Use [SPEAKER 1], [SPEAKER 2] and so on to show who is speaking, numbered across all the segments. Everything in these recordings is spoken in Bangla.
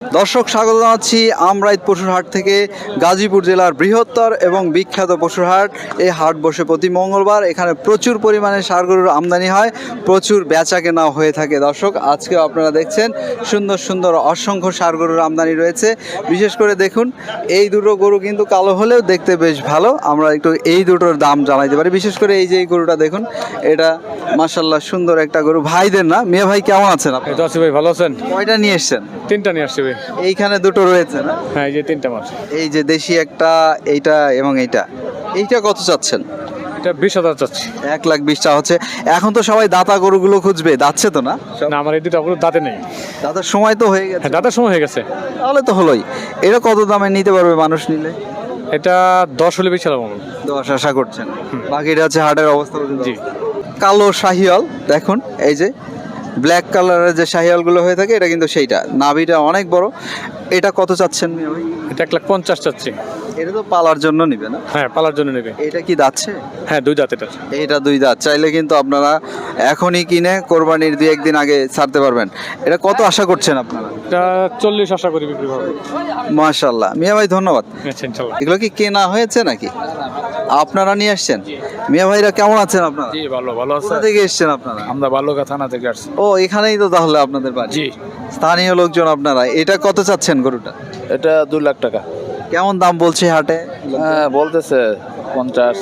[SPEAKER 1] দর্শক স্বাগত জানাচ্ছি আমরাইত পশুর হাট থেকে। গাজীপুর জেলার বৃহত্তর এবং বিখ্যাত পশুর হাট। এই হাট বসে প্রতি মঙ্গলবার। এখানে প্রচুর পরিমাণে ষাঁড় গরুর আমদানি হয়, প্রচুর বেচা কেনা হয়ে থাকে। দর্শক আজকে আপনারা দেখছেন সুন্দর সুন্দর অসংখ্য ষাঁড় গরুর আমদানি রয়েছে। বিশেষ করে দেখুন এই দুটো গরু কিন্তু কালো হলেও দেখতে বেশ ভালো। আমরা একটু এই দুটোর দাম জানাইতে পারি। বিশেষ করে এই যে এই গরুটা দেখুন, এটা মাশাআল্লাহ সুন্দর একটা গরু। ভাইদের না? মিয়া ভাই কেমন আছেন আপনি?
[SPEAKER 2] আছি ভাই, ভালো আছেন?
[SPEAKER 1] কয়টা নিয়ে এসছেন?
[SPEAKER 2] তিনটা নিয়ে আসছি ভাই।
[SPEAKER 1] এইখানে দুটো রয়েছে না?
[SPEAKER 2] হ্যাঁ, এই যে তিনটা মাছ।
[SPEAKER 1] এই যে দেশি একটা, এইটা এবং এইটা কত চাচ্ছেন?
[SPEAKER 2] এটা 20,000 চাচ্ছি।
[SPEAKER 1] 1,20,000 চা হচ্ছে। এখন তো সবাই দাতা গরুগুলো খুঁজবে, দাচ্ছে তো না?
[SPEAKER 2] না, আমার এই দুটো গরু দাঁতে নেই।
[SPEAKER 1] দাতার সময় তো হয়ে গেছে।
[SPEAKER 2] হ্যাঁ, দাঁতের সময় হয়ে গেছে।
[SPEAKER 1] তাহলে তো হলোই। এটা কত দামে নিতে পারবে মানুষ নিলে?
[SPEAKER 2] এটা 10 হলে বেশি লাগবে।
[SPEAKER 1] 10 আশা করছেন। বাকিটা হচ্ছে হাটের অবস্থা।
[SPEAKER 2] জি।
[SPEAKER 1] কালো শাহিয়াল দেখুন, এই যে ব্ল্যাক কালারের যে শাহিয়ালগুলো হয়ে থাকে, এটা কিন্তু সেইটা। নাভিটা অনেক বড়। এটা কত চাচ্ছেন মিয়া ভাই?
[SPEAKER 2] এটা 1,50,000 চাচ্ছি।
[SPEAKER 1] এটা তো পালার জন্য নিবে না?
[SPEAKER 2] হ্যাঁ, পালার জন্য নেবে।
[SPEAKER 1] এটা কি দাচ্ছে?
[SPEAKER 2] হ্যাঁ, 2 দাঁত এটা।
[SPEAKER 1] এইটা 2 দাঁত। চাইলে কিন্তু আপনারা এখনই কিনে কোরবানির 2-1 দিন আগে ছাড়তে পারবেন। এটা কত আশা করছেন আপনারা?
[SPEAKER 2] এটা 40 আশা করি বিক্রি করব।
[SPEAKER 1] মাশাআল্লাহ। মিয়া ভাই ধন্যবাদ।
[SPEAKER 2] আচ্ছা, ইনশাআল্লাহ।
[SPEAKER 1] এগুলো কি কেনা হয়েছে নাকি আপনারা নিয়ে আসছেন? মিয়া ভাইরা কেমন আছেন আপনারা?
[SPEAKER 2] জি, ভালো আছে।
[SPEAKER 1] কোথা থেকে এসেছেন আপনারা?
[SPEAKER 2] আমরা বালুকা থানা থেকে আসছি।
[SPEAKER 1] ও, এখানেই তো তাহলে আপনাদের বাড়ি?
[SPEAKER 2] জি।
[SPEAKER 1] স্থানীয় লোকজন আপনারা। এটা কত চাচ্ছেন গরুটা?
[SPEAKER 3] এটা 2 লাখ টাকা।
[SPEAKER 1] কেমন দাম বলছে হাটে?
[SPEAKER 3] হ্যাঁ, বলতেছে 50,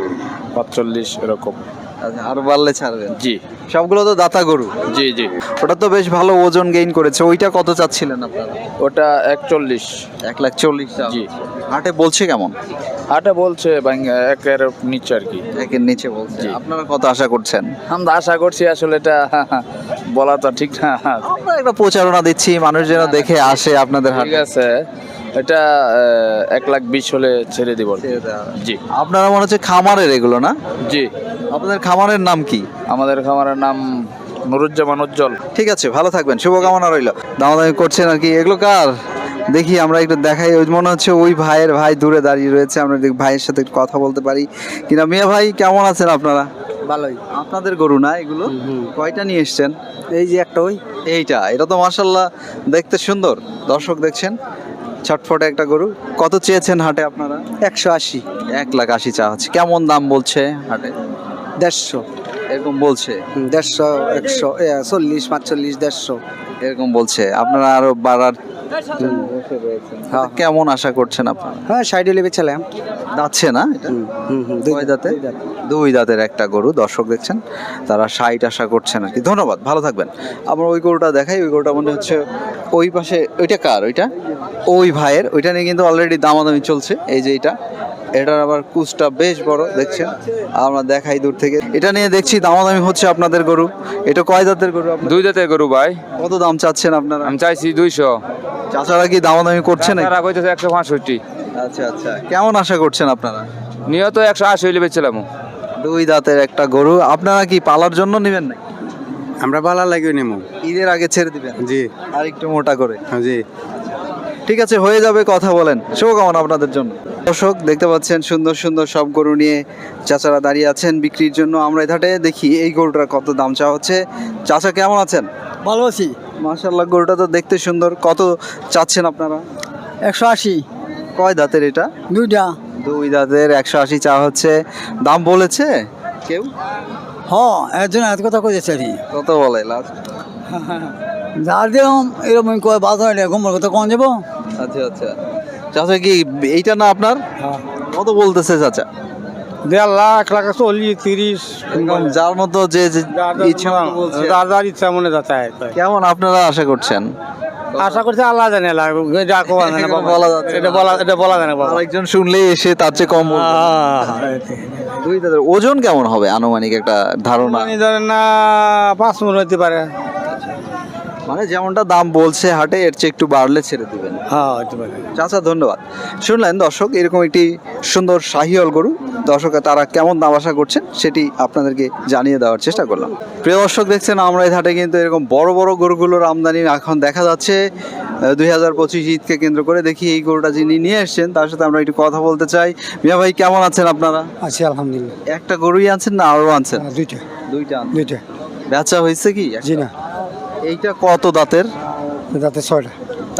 [SPEAKER 3] 45 এরকম।
[SPEAKER 1] আচ্ছা, আরো বাড়লে ছাড়বেন?
[SPEAKER 3] জি
[SPEAKER 1] সবগুলো তো দাতা গরু।
[SPEAKER 3] জি জি।
[SPEAKER 1] ওটা তো বেশ ভালো ওজন গেইন করেছে। ওইটা কত চাচ্ছিলেন আপনারা?
[SPEAKER 3] ওটা 41।
[SPEAKER 1] 1,40,000
[SPEAKER 3] জি।
[SPEAKER 1] হাটে বলছে কেমন?
[SPEAKER 3] হাটে বলছে একের নিচে আর কি।
[SPEAKER 1] একের নিচে বলছে।
[SPEAKER 3] জি।
[SPEAKER 1] আপনারা কত আশা করছেন?
[SPEAKER 3] আমরা আশা করছি, আসলে এটা বলা তো ঠিক না।
[SPEAKER 1] আমরা একটা প্রচারণা দিচ্ছি, মানুষ যেন দেখে আসে আপনাদের
[SPEAKER 3] ঠিক
[SPEAKER 1] হাটে।
[SPEAKER 3] আছে, এটা 1,20,000 হলে ছেড়ে দিব। জি
[SPEAKER 1] আপনারা মনে হচ্ছে খামারের এগুলো না?
[SPEAKER 3] জি।
[SPEAKER 1] আপনাদের খামারের নাম কি?
[SPEAKER 3] আমাদের খামারের নাম নুরুজ্জামান উজ্জ্বল।
[SPEAKER 1] ঠিক আছে, ভালো থাকবেন, শুভকামনা রইল। দামাদামি করছেন আর কি। এগুলো কার দেখি আমরা একটু দেখাই। ওই মনে হচ্ছে ওই ভাইয়ের ভাই দূরে দাঁড়িয়ে রয়েছে। আমরা ভাইয়ের সাথে একটু কথা বলতে পারি কিনা। মিয়া ভাই কেমন আছেন আপনারা?
[SPEAKER 4] ভালোই।
[SPEAKER 1] আপনাদের গরু না এগুলো? কয়টা নিয়ে এসছেন?
[SPEAKER 4] এই যে একটা ওই
[SPEAKER 1] এটা তো মাশাআল্লাহ দেখতে সুন্দর। দর্শক দেখছেন ছটফটে একটা গরু। কত চেয়েছেন হাটে আপনারা?
[SPEAKER 4] 180,
[SPEAKER 1] 1,80,000 চা হচ্ছে। কেমন দাম বলছে হাটে?
[SPEAKER 4] 150,
[SPEAKER 1] এরকম বলছে?
[SPEAKER 4] 150, 100, 40, 45, 150।
[SPEAKER 1] এরকম বলছে। আপনারা আরো বাড়ার
[SPEAKER 4] হ্যাঁ।
[SPEAKER 1] কেমন আশা করছেন আপনারা?
[SPEAKER 4] হ্যাঁ, 60 হলে বেচালাম।
[SPEAKER 1] যাচ্ছে না এটা?
[SPEAKER 4] দুই
[SPEAKER 1] কয় দাঁতে?
[SPEAKER 4] দুই দাঁত।
[SPEAKER 1] 2 দাঁতের একটা গরু। দর্শক দেখছেন তারা 60 আশা করছেন আর কি। ধন্যবাদ, ভালো থাকবেন। আমরা ওই গরুটা দেখাই। ওই গরুটা মনে হচ্ছে ওই পাশে। ওইটা কার? ওইটা ওই ভাইয়ের। ওইটা নিয়ে কিন্তু অলরেডি দামাদামি চলছে। এই যে এটার আবার কুচটা বেশ বড় দেখছেন। আমরা দেখাই দূর থেকে। এটা নিয়ে দেখছি দামাদামি হচ্ছে আপনাদের গরু। এটা কয় দাঁতের গরু আপনার?
[SPEAKER 3] 2 দাঁতের গরু ভাই।
[SPEAKER 1] কত দাম চাচ্ছেন আপনারা?
[SPEAKER 3] আমি চাইছি 200।
[SPEAKER 1] চাচারা কি দামাদামি করছে না?
[SPEAKER 3] তারা কইতেছে 165।
[SPEAKER 1] আচ্ছা আচ্ছা, কেমন আশা করছেন আপনারা?
[SPEAKER 3] নিয়ত 180 হইলে বেচলাম।
[SPEAKER 1] 2 দাঁতের একটা গরু। আপনারা কি পালার জন্য নেবেন না?
[SPEAKER 4] আমরা বালা লাগিয়ে নেবো।
[SPEAKER 1] ঈদের আগে ছেড়ে দিবেন?
[SPEAKER 4] জি
[SPEAKER 1] আর একটু মোটা করে।
[SPEAKER 4] জি।
[SPEAKER 1] ঠিক আছে, হয়ে যাবে, কথা বলেন। শুভকামনা আপনাদের জন্য। দর্শক দেখতে পাচ্ছেন সুন্দর সুন্দর সব গরু নিয়ে চাচারা দাঁড়িয়ে আছেন বিক্রির জন্য। আমরা এধাটে দেখি এই গরুটার কত দাম চাওয়া হচ্ছে। চাচা কেমন আছেন?
[SPEAKER 4] ভালো আছি।
[SPEAKER 1] মাশাআল্লাহ, গরুটা তো দেখতে সুন্দর। কত চাচ্ছেন আপনারা?
[SPEAKER 4] 180,
[SPEAKER 1] কয় দাঁতের এটা?
[SPEAKER 4] 2টা।
[SPEAKER 1] 2 দাঁতের 180 চাওয়া হচ্ছে। দাম বলেছে কেউ?
[SPEAKER 4] হ্যাঁ, একজন এত কথা কইতেছে আর
[SPEAKER 1] কত বলে লাস্ট?
[SPEAKER 4] যার দিলাম এরকম কয় বাজার ঘুমার কথা কম যাবো।
[SPEAKER 1] আচ্ছা আচ্ছা। চাচা কি এইটা না আপনার? কত বলতেছে চাচা?
[SPEAKER 2] 1.5 লাখ, 1,40, 30।
[SPEAKER 1] যার মতো যে যে ইচ্ছা মতো বলছে।
[SPEAKER 2] যার ইচ্ছা মনে যাচ্ছে।
[SPEAKER 1] কেমন আপনারা আশা করছেন?
[SPEAKER 2] আশা করছি আল্লাহ জানে। এটা বলা জানে বাবা।
[SPEAKER 1] আরেকজন শুনলেই এসে তার চেয়ে কম বলবে। 2 দাঁতের ওজন কেমন হবে আনুমানিক একটা ধারণা?
[SPEAKER 2] ধরেন না 5 মণ হইতে পারে।
[SPEAKER 1] মানে যেমনটা দাম বলছে হাটে, এর চেয়ে একটু বাড়লে ছেড়ে দিবেন।
[SPEAKER 2] হ্যাঁ, হইতে পারে।
[SPEAKER 1] চাচা ধন্যবাদ। শুনলেন দর্শক, এরকম একটি সুন্দর শাহিওয়াল গরু। দর্শক তারা কেমন দাম আশা করছেন সেটি আপনাদেরকে জানিয়ে দেওয়ার চেষ্টা করলাম। প্রিয় দর্শক দেখছেন আমরা এই হাটে কিন্তু এরকম বড় বড় গরুগুলোর আমদানি এখন দেখা যাচ্ছে। 2025 ঈদকে কেন্দ্র করে দেখি এই গরুটা যিনি নিয়ে এসছেন তার সাথে আমরা একটু কথা বলতে চাই। মিয়া ভাই কেমন আছেন আপনারা?
[SPEAKER 4] আছি আলহামদুলিল্লাহ।
[SPEAKER 1] একটা গরুই আনছেন না আরো আনছেন?
[SPEAKER 4] 2টা।
[SPEAKER 1] 2টা আনছেন।
[SPEAKER 4] 2টা।
[SPEAKER 1] বেচা হয়েছে কি?
[SPEAKER 4] জি না,
[SPEAKER 1] এইটা কত দাঁতের?
[SPEAKER 4] দাঁতে 6টা।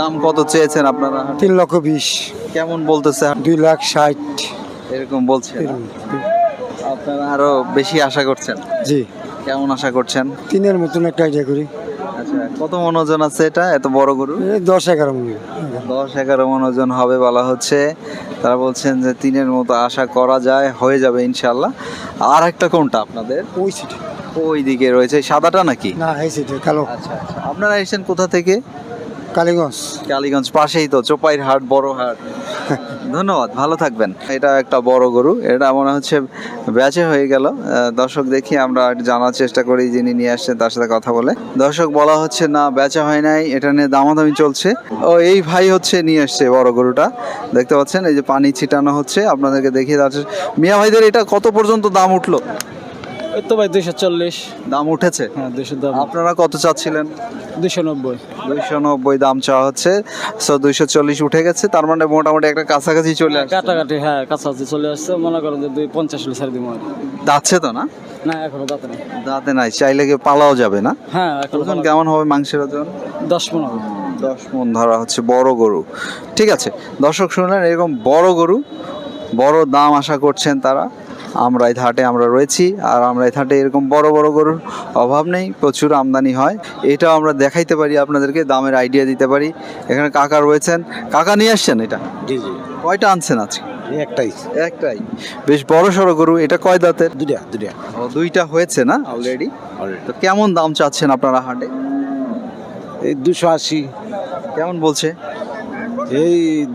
[SPEAKER 1] দাম কত চেয়েছেন আপনারা?
[SPEAKER 2] 3,20,000,
[SPEAKER 1] কেমন বলতেছে?
[SPEAKER 2] 2,60,000।
[SPEAKER 1] এরকম বলছে। আপনারা আরো বেশি আশা করছেন?
[SPEAKER 2] জি,
[SPEAKER 1] কেমন আশা করছেন?
[SPEAKER 2] 3-এর মতন একটা আইডিয়া করি।
[SPEAKER 1] আচ্ছা, কত মন ওজন আছে এটা, এত বড় গরু?
[SPEAKER 2] 10-11 মনে
[SPEAKER 1] 10-11 মন ওজন হবে বলা হচ্ছে। তারা বলছেন যে 3-এর মতো আশা করা যায়, হয়ে যাবে ইনশাল্লাহ। আর একটা কোনটা আপনাদের?
[SPEAKER 2] ওই সিটে
[SPEAKER 1] ওই দিকে রয়েছে, সাদাটা নাকি?
[SPEAKER 2] না, এই সিটে কালো।
[SPEAKER 1] আচ্ছা আচ্ছা, আপনারা এসেছেন কোথা থেকে?
[SPEAKER 2] কালীগঞ্জ।
[SPEAKER 1] কালীগঞ্জ পাশেই তো, চোপাইর হাট, বড় হাট। ধন্যবাদ, ভালো থাকবেন। এটা একটা বড় গরু, এটা মনে হচ্ছে বেচে হয়ে গেল। দর্শক দেখি আমরা একটু জানার চেষ্টা করি, যিনি নিয়ে আসছেন তার সাথে কথা বলে। দর্শক বলা হচ্ছে না বেচা হয় নাই, এটা নিয়ে দামাদামি চলছে। ও এই ভাই হচ্ছে নিয়ে আসছে বড় গরুটা, দেখতে পাচ্ছেন এই যে পানি ছিটানো হচ্ছে, আপনাদেরকে দেখিয়ে যাচ্ছে। মিয়া ভাইদের এটা কত পর্যন্ত দাম উঠলো?
[SPEAKER 2] এই তো ভাই 240।
[SPEAKER 1] দাম উঠেছে?
[SPEAKER 2] হ্যাঁ, 200 দাম।
[SPEAKER 1] আপনারা কত চাচ্ছিলেন?
[SPEAKER 2] 290।
[SPEAKER 1] 290 দাম চাওয়া হচ্ছে। 240 উঠে গেছে, তার মানে মোটামুটি একটা কাছাকাছি চলে আসছে।
[SPEAKER 2] কাটাকাটি, হ্যাঁ, কাছাকাছি চলে আসছে। মনে করেন যে 250 হলে ছেড়ে দিব।
[SPEAKER 1] দাচ্ছে তো না?
[SPEAKER 2] না, এখনো দাঁতে নেই।
[SPEAKER 1] দাঁতে নাই, চাইলে কি পালাও যাবে না?
[SPEAKER 2] হ্যাঁ, এখন
[SPEAKER 1] ওজন কেমন হবে মাংসের ওজন?
[SPEAKER 2] 10-15।
[SPEAKER 1] 10 মণ ধরা হচ্ছে, বড় গরু। ঠিক আছে, দর্শক শুনলেন, এরকম বড় গরু, বড় দাম আশা করছেন তারা। আমরা এই হাটে আমরা রয়েছি, আর আমরা এই হাটে এরকম বড় বড় গরুর অভাব নেই, প্রচুর আমদানি হয়। এটাও আমরা দেখাইতে পারি আপনাদেরকে, দামের আইডিয়া দিতে পারি। এখানে কাকা রয়েছেন, কাকা নিয়ে আসছেন এটা?
[SPEAKER 2] জি জি,
[SPEAKER 1] কয়টা আনছেন আজকে?
[SPEAKER 2] একটাই।
[SPEAKER 1] একটাই, বেশ বড় সড়ো গরু। এটা কয় দাঁতের?
[SPEAKER 2] দুটা।
[SPEAKER 1] ও, দুইটা হয়েছে না অলরেডি? তো কেমন দাম চাচ্ছেন আপনারা হাটে?
[SPEAKER 2] এই 280,
[SPEAKER 1] কেমন বলছে?
[SPEAKER 2] এই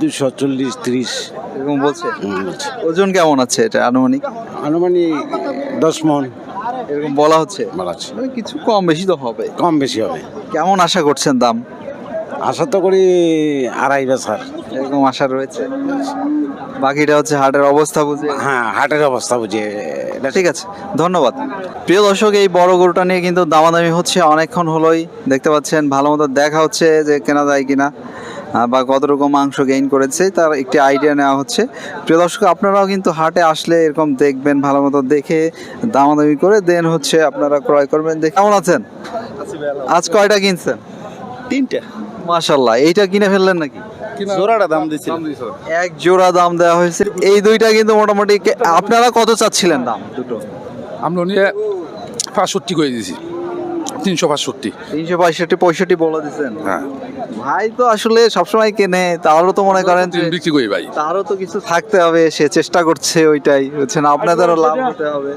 [SPEAKER 2] 240-30
[SPEAKER 1] এরকম বলছে। ওজন কেমন আছে এটা আনুমানিক?
[SPEAKER 2] আনুমানিক 10 মণ
[SPEAKER 1] এরকম বলা হচ্ছে।
[SPEAKER 2] বাড়াচ্ছে।
[SPEAKER 1] মানে কিছু কম বেশি তো হবে।
[SPEAKER 2] কম বেশি হবে।
[SPEAKER 1] কেমন আশা করছেন দাম?
[SPEAKER 2] আশা তো করি 2.5 বেচার।
[SPEAKER 1] এরকম আশা রয়েছে। বাকিটা হচ্ছে হাটের অবস্থা বুঝে।
[SPEAKER 2] হ্যাঁ, হাটের অবস্থা বুঝে।
[SPEAKER 1] ঠিক আছে, ধন্যবাদ। প্রিয় দর্শক, এই বড় গরুটা নিয়ে কিন্তু দামাদামি হচ্ছে অনেকক্ষণ হলোই, দেখতে পাচ্ছেন। ভালো মতো দেখা হচ্ছে যে কেনা যায় কিনা, বা কতটুকু মাংস গেইন করেছে তার একটি আইডিয়া নেওয়া হচ্ছে। প্রিয় দর্শক, আপনারাও কিন্তু হাটে আসলে এরকম দেখবেন, ভালো মতো দেখে দামাদামি করে দেন হচ্ছে আপনারা ক্রয় করবেন। কেমন আছেন? আজ কয়টা কিনছেন?
[SPEAKER 2] 3টা।
[SPEAKER 1] মাশাল্লাহ, এইটা কিনে ফেললেন নাকি?
[SPEAKER 2] জোড়াটা দাম দিছি।
[SPEAKER 1] এক জোড়া দাম দেওয়া হয়েছে। এই দুইটা কিন্তু মোটামুটি আপনারা কত চাচ্ছিলেন দাম দুটো?
[SPEAKER 5] আমরা নিয়ে 65 করে দিয়েছি, 365।
[SPEAKER 1] 365-65 বলে দিচ্ছেন?
[SPEAKER 5] হ্যাঁ,
[SPEAKER 1] ভাই তো আসলে সবসময় কেনে, তারও তো মনে করেন যে
[SPEAKER 5] বিক্রি করি ভাই।
[SPEAKER 1] তারও তো কিছু থাকতে হবে, সে চেষ্টা করছে, ওইটাই হচ্ছে না, আপনাদেরও লাভ হতে হবে।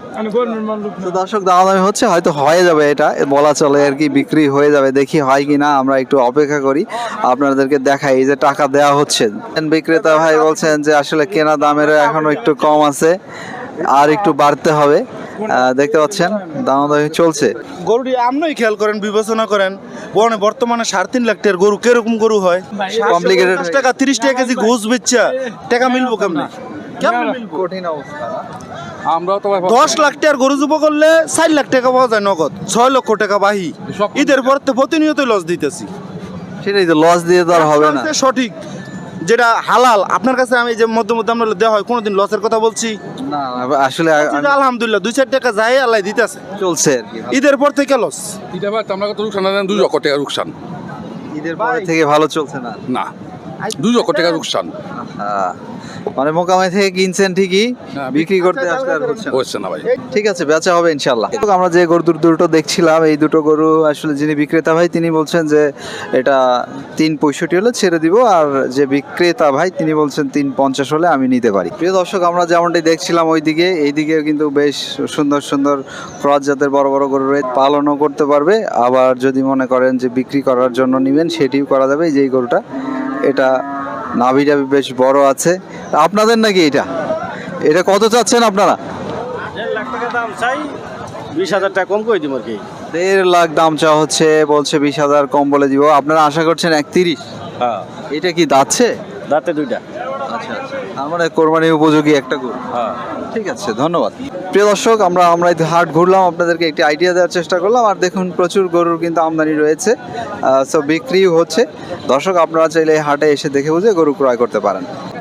[SPEAKER 1] তো দর্শক, দামাদামি হচ্ছে, হয়তো হয়ে যাবে, এটা বলা চলে আর কি, বিক্রি হয়ে যাবে। দেখি হয় কি না, আমরা একটু অপেক্ষা করি, আপনাদেরকে দেখাই। এই যে টাকা দেওয়া হচ্ছে, বিক্রেতা ভাই বলছেন যে আসলে কেনা দামের এখনো একটু কম আছে, আর একটু বাড়তে হবে। দেখতে পাচ্ছেন দামাদামি চলছে।
[SPEAKER 6] গরুটি আপনিই খেয়াল করেন, বিবেচনা করেন, বর্তমানে 3.5 লাখ টাকার গরু কিরকম গরু হয়?
[SPEAKER 1] Complicated
[SPEAKER 6] 50 টাকা 30 টাকা কেজি ঘুষ বেচা টাকা মিলবো কেমনে?
[SPEAKER 1] কঠিন অবস্থা।
[SPEAKER 5] আমরাও তো
[SPEAKER 6] 10 লাখ টাকার গরু জুবো করলে 4 লাখ টাকা পাওয়া যায় নগদ, 6 লক্ষ টাকা বাহি। ঈদের পর তো প্রতিনিয়ত লস দিতেছি।
[SPEAKER 1] সেটাই তো, লস দিয়ে তো আর হবে না।
[SPEAKER 6] সঠিক যেটা হালাল আপনার কাছে, আমি যে মধ্যে মধ্যে আমরা দেওয়া হয়, কোনোদিন লসের কথা বলছি
[SPEAKER 1] না, আসলে
[SPEAKER 6] আলহামদুলিল্লাহ 2-4 টাকা যায় আল্লাহ দিতেছে।
[SPEAKER 1] চলছে আর কি।
[SPEAKER 6] ঈদের পর থেকে লস।
[SPEAKER 5] এটা ভাই আমরা কত রুকসান দেন, 2 লক্ষ টাকা রুকসান।
[SPEAKER 1] ঈদের পরে থেকে ভালো চলছে না?
[SPEAKER 5] না, 2 লক্ষ টাকা রুকসান
[SPEAKER 1] মানে মোকামে থেকে কিনছেন ঠিকই,
[SPEAKER 5] হ্যাঁ,
[SPEAKER 1] বিক্রি করতে আসলে আর হচ্ছে না।
[SPEAKER 5] হচ্ছে না ভাই।
[SPEAKER 1] ঠিক আছে, বেচা হবে ইনশাল্লাহ। আমরা যে গরু দুটো দেখছিলাম, এই দুটো গরু আসলে যিনি বিক্রেতা ভাই তিনি বলছেন যে এটা 365 হলে ছেড়ে দিব, আর যে বিক্রেতা ভাই তিনি বলছেন 350 হলে আমি নিতে পারি। প্রিয় দর্শক, আমরা যেমনটি দেখছিলাম ওইদিকে, এইদিকে কিন্তু বেশ সুন্দর সুন্দর ক্রস জাতের বড় বড় গরু রয়েছে, পালনও করতে পারবে, আবার যদি মনে করেন যে বিক্রি করার জন্য নেবেন সেটিও করা যাবে। এই যে এই গরুটা, এটা নাভিটা বেশ বড় আছে। আপনাদের নাকি এটা? এটা কত চাচ্ছেন আপনারা?
[SPEAKER 2] 1.5 লাখ টাকা দাম চাই, 20,000 টাকা কম করে দিব আর কি।
[SPEAKER 1] 1.5 লাখ দাম চা হচ্ছে, বলছে 20,000 কম বলে দিব। আপনারা আশা করছেন 31?
[SPEAKER 2] হ্যাঁ,
[SPEAKER 1] এটা কি দাচ্ছে?
[SPEAKER 2] দাঁতে 2টা।
[SPEAKER 1] আচ্ছা আচ্ছা, তার মানে কোরবানি উপযোগী একটা গরু।
[SPEAKER 2] হ্যাঁ,
[SPEAKER 1] ঠিক আছে, ধন্যবাদ। প্রিয় দর্শক, আমরা এই হাট ঘুরলাম, আপনাদেরকে একটি আইডিয়া দেওয়ার চেষ্টা করলাম। আর দেখুন, প্রচুর গরুর কিন্তু আমদানি রয়েছে, সো বিক্রিও হচ্ছে। দর্শক, আপনারা চাইলে এই হাটে এসে দেখে বুঝে গরু ক্রয় করতে পারেন।